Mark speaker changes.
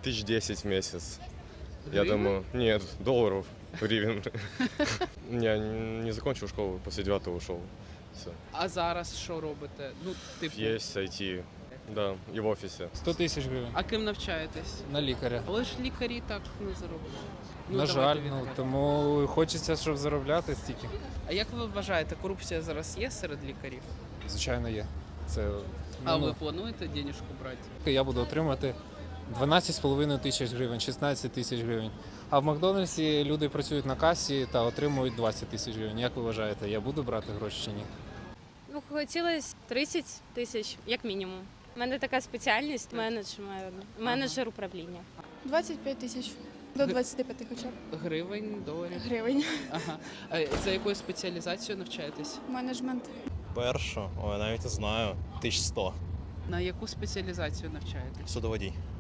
Speaker 1: Тысяч 10 в месяц. Я
Speaker 2: Гривен?
Speaker 1: думаю, нет, долларов, гривен. Я не закончил школу, после 9 ушел. Все.
Speaker 2: А зараз що робите? Ну, типу,
Speaker 1: Есть IT, да, и в офисе.
Speaker 3: 100 тисяч гривень
Speaker 2: а ким навчаєтесь?
Speaker 3: на лікаря.
Speaker 2: Але ж лікарі так не заробляють. Ну,
Speaker 3: На
Speaker 2: давайте
Speaker 3: жаль,
Speaker 2: відверто.
Speaker 3: тому хочеться, щоб заробляти стільки.
Speaker 2: А як ви вважаєте, корупція зараз є серед лікарів?
Speaker 3: Звичайно, є. Це
Speaker 2: А
Speaker 3: ну,
Speaker 2: ви плануєте денежку брати?
Speaker 3: я буду отримати 12,5 тисяч гривень, 16 тисяч гривень. А в Макдональдсі люди працюють на касі та отримують 20 тисяч гривень. Як ви вважаєте, я буду брати гроші чи ні?
Speaker 4: Ну, хотілося 30 тисяч, як мінімум. У мене така спеціальність менеджер управління.
Speaker 5: 25 тисяч. До 25 хоча б
Speaker 2: Гривень, доларів?
Speaker 5: гривень.
Speaker 2: Ага. А за якою спеціалізацією навчаєтесь?
Speaker 5: Менеджмент.
Speaker 6: Першу, ой, навіть не знаю, 1100.
Speaker 2: На яку спеціалізацію навчаєтесь?
Speaker 6: Судоводій.